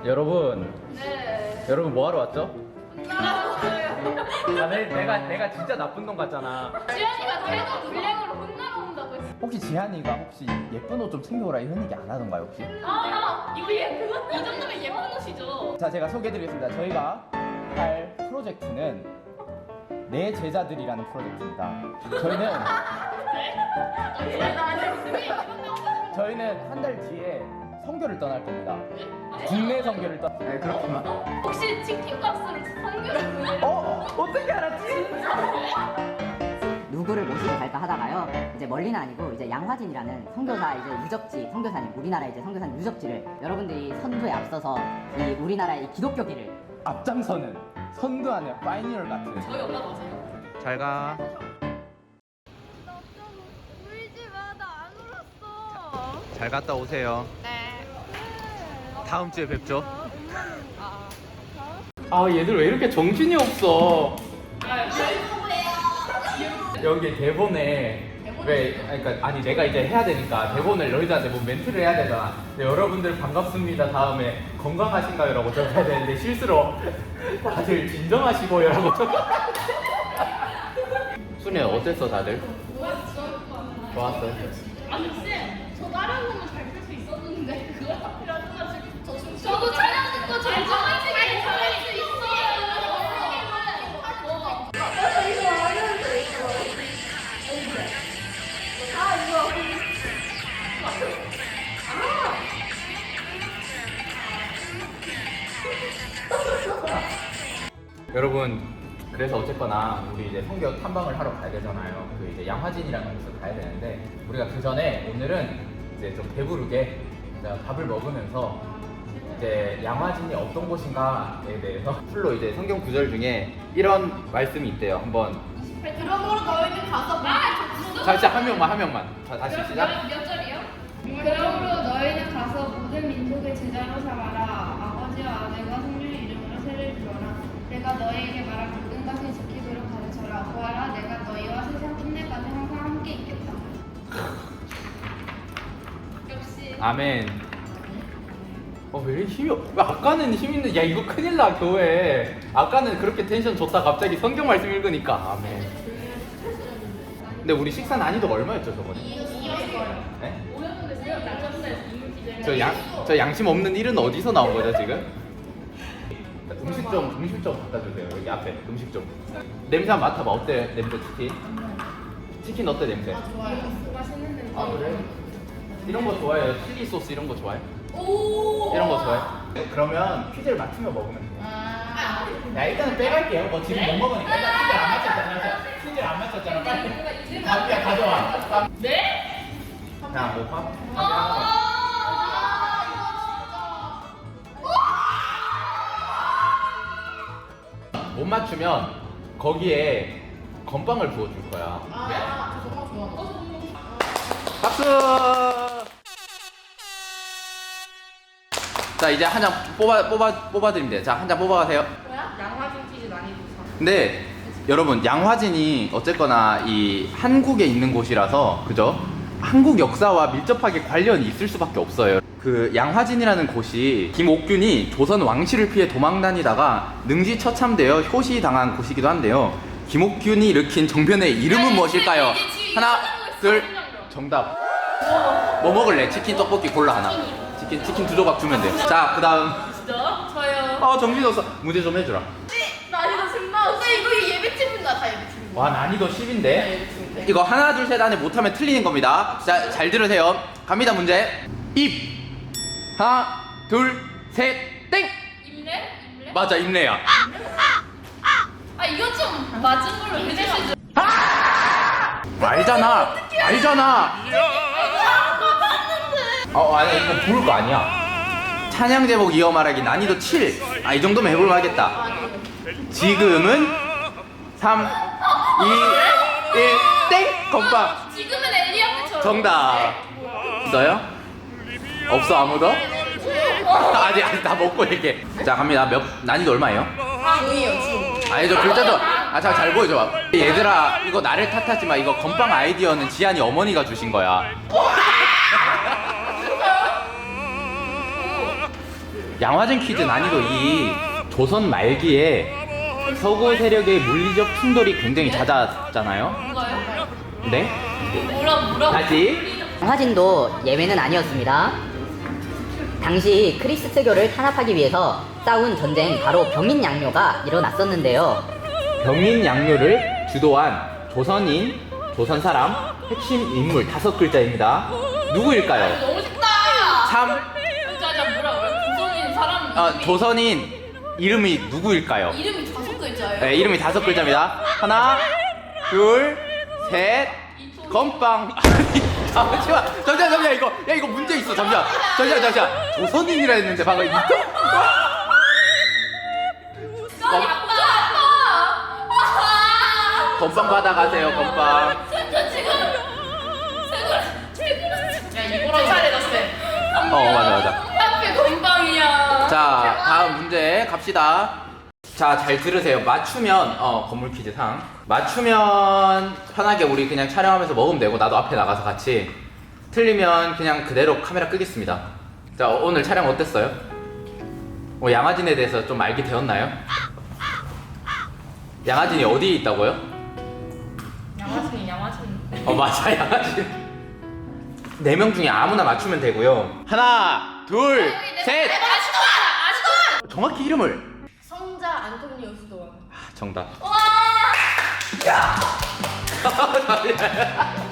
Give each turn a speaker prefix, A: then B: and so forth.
A: 여러분,
B: 네.
A: 여러분 뭐 하러 왔죠?
B: 혼나라고요.
A: 내가 진짜 나쁜 놈 같잖아.
B: 지현이가 계속 블랙으로 혼나러 온다고 했어.
C: 혹시 지한이가 혹시 예쁜 옷 좀 챙겨오라 이런 얘기 안 하던가요 혹시?
B: 이거 그거 이 정도면 예쁜 옷이죠.
C: 자, 제가 소개해드리겠습니다. 저희가 할 프로젝트는 내 제자들이라는 프로젝트입니다. 저희는 한 달 뒤에 선교를 떠날 겁니다. 국내 선교를 네, 그렇구만.
B: 혹시 치킨값으로 성교를 보내려?
C: 어떻게 알았지?
D: 누구를 모시고 갈까 하다가요. 이제 멀리는 아니고 이제 양화진이라는 선교사 이제 유적지 선교사님, 우리나라 이제 선교사님 유적지를 여러분들이 선두에 앞서서 이 우리나라의 이 기독교계를
C: 앞장서는 선두하는 파이니얼 같은.
B: 저희 엄마 맞아요.
A: 잘 가.
B: 울지 마, 나 안 울었어.
A: 잘 갔다 오세요.
B: 네.
A: 다음 주에 뵙죠. 아, 얘들 왜 이렇게 정신이 없어? 여기 대본에 그러니까 아니 내가 이제 해야 되니까 대본을 너희들한테 뭐 멘트를 해야 되잖아. 근데 여러분들 반갑습니다 다음에 건강하신가요라고 적어야 되는데 실수로 다들 진정하시고요라고 순이 어땠어 다들? 좋았어요.
B: 아니 쌤, 저 다른 거는 잘 풀 수 있었는데 그걸 하필 하셔가지고 저도 촬영 듣고 잘 정확하게 잘할 수 있어요.
A: 여러분 그래서 어쨌거나 우리 이제 성교 탐방을 하러 가야 되잖아요. 그 이제 양화진이라는 곳을 가야 되는데 우리가 그 전에 오늘은 이제 좀 배부르게 밥을 먹으면서 이제 양화진이 어떤 곳인가에 대해서 풀로 이제 성경 구절 중에 이런 말씀이 있대요. 한번
B: 그러므로 너희는 가서
A: 자 진짜 한 명만 자 다시 시작.
B: 몇 절이요? 그러므로 너희는 가서 모든 민족의 제자로 삼아라. 아버지와 아들과 성령의 이름으로 세례를 주어라. 내가 너희에게 말한 모든 것을 지키도록 가르쳐라. 보아라, 내가 너희와 세상 끝내까지 항상 함께 있겠다. 역시.
A: 아멘. 왜 이렇게 힘이 없... 아까는 힘 있는... 야 이거 큰일 나 교회. 아까는 그렇게 텐션 좋다 갑자기 성경 말씀 읽으니까 아멘. 근데 우리 식사 난이도가 얼마였죠 저번에?
B: 2였어요.
A: 네?
B: 5였는데 지금 낮췄어요. 이물기절.
A: 저 양심 없는 일은 어디서 나온 거죠 지금? 음식 좀 갖다 주세요. 여기 앞에 음식 좀. 냄새 한번 맡아봐. 어때 냄새 치킨? 치킨 어때 냄새?
B: 좋아요. 맛있는 냄새.
A: 아 그래? 이런 거 좋아해요? 칠리 소스 이런 거 좋아해?
B: 오.
A: 이런 거 좋아해? 그러면 퀴즈를 맞추며 먹으면 돼.
B: 아.
A: 야 일단은 빼갈게요. 뭐 지금 못 먹으니까 일단 퀴즈 안 맞췄잖아. 퀴즈 안 맞췄잖아. 빨리. 밥이야 가져와.
B: 네?
A: 자, 뭐 밥? 못 맞추면 거기에 건빵을 부어줄 거야. 박수! 자 이제 한 장 뽑아드리면 돼요. 자 한 장 뽑아가세요.
B: 뭐야? 양화진 퀴즈 많이 붙여.
A: 근데 여러분 양화진이 어쨌거나 이 한국에 있는 곳이라서 그죠? 한국 역사와 밀접하게 관련이 있을 수밖에 없어요. 그 양화진이라는 곳이 김옥균이 조선 왕실을 피해 도망다니다가 능지처참되어 효시당한 곳이기도 한데요. 김옥균이 일으킨 정변의 이름은 무엇일까요? 하나, 둘, 정답. 뭐 먹을래? 치킨, 떡볶이 골라 하나. 치킨 2조각 주면 돼. 자, 그 다음.
B: 진짜? 저요.
A: 아, 정신없어. 문제 좀 해주라.
B: 난이도 10만. 오빠 이거 예배친구다 다 예배친구.
A: 와, 난이도 10인데? 이거 하나, 둘, 셋 안에 못하면 틀리는 겁니다. 자, 잘 들으세요. 갑니다, 문제. 입. 하나, 둘, 셋, 땡!
B: 임례?
A: 맞아, 임레야.
B: 아 이거 좀 맞은 걸로 해주시죠.
A: 알잖아. 알잖아. 아니, 이거 부를 거 아니야. 찬양 제목 이어 말하기 난이도 7. 이 정도면 해볼 만하겠다. 지금은 3, 2, 1, 땡! 건빵.
B: 지금은 엘리야 때처럼.
A: 정답. 있어요? 없어 아무도? 아직 다 먹고 얘기해. 자 갑니다. 난이도 얼마예요? 아니 저 글자 좀 잘 보여줘. 얘들아 이거 나를 탓하지 마. 이거 건빵 아이디어는 지한이 어머니가 주신 거야. 양화진 퀴즈 난이도 2. 조선 말기에 서구 세력의 물리적 충돌이 굉장히 잦았잖아요.
B: 뭔가요?
A: 네?
B: 뭐라고?
A: 다시.
D: 양화진도 예외는 아니었습니다. 당시 크리스트교를 탄압하기 위해서 싸운 전쟁 바로 병인양요가 일어났었는데요.
A: 병인 양요를 주도한 조선인, 조선 사람, 핵심 인물 5글자입니다. 누구일까요?
B: 너무 쉽다.
A: 3.
B: 진짜 뭐라고요? 조선인 사람 이름이
A: 조선인 이름이 누구일까요?
B: 이름이 5글자예요?
A: 네, 이름이 5글자입니다. 하나, 둘, 셋, 건빵. 아니, 잠시만, 이거, 야, 이거 문제 있어, 잠시만. 조선인이라 했는데, 방금 이거? 건빵 받아가세요, 건빵.
B: 진짜 지금 야 이거랑 잘해다 쌤.
A: 맞아.
B: 앞에 건방이야.
A: 자, 다음 문제 갑시다. 자, 잘 들으세요. 맞추면, 건물 퀴즈 상. 맞추면 편하게 우리 그냥 촬영하면서 먹으면 되고, 나도 앞에 나가서 같이. 틀리면 그냥 그대로 카메라 끄겠습니다. 자, 오늘 촬영 어땠어요? 양화진에 대해서 좀 알게 되었나요? 양화진이 어디에 있다고요?
B: 양화진.
A: 맞아, 양화진. 4명 중에 아무나 맞추면 되고요. 하나, 둘, 셋!
B: 아시도아.
A: 정확히 이름을.
B: 성자 안토니오 수도원.
A: 정답.
B: 와.
A: 야!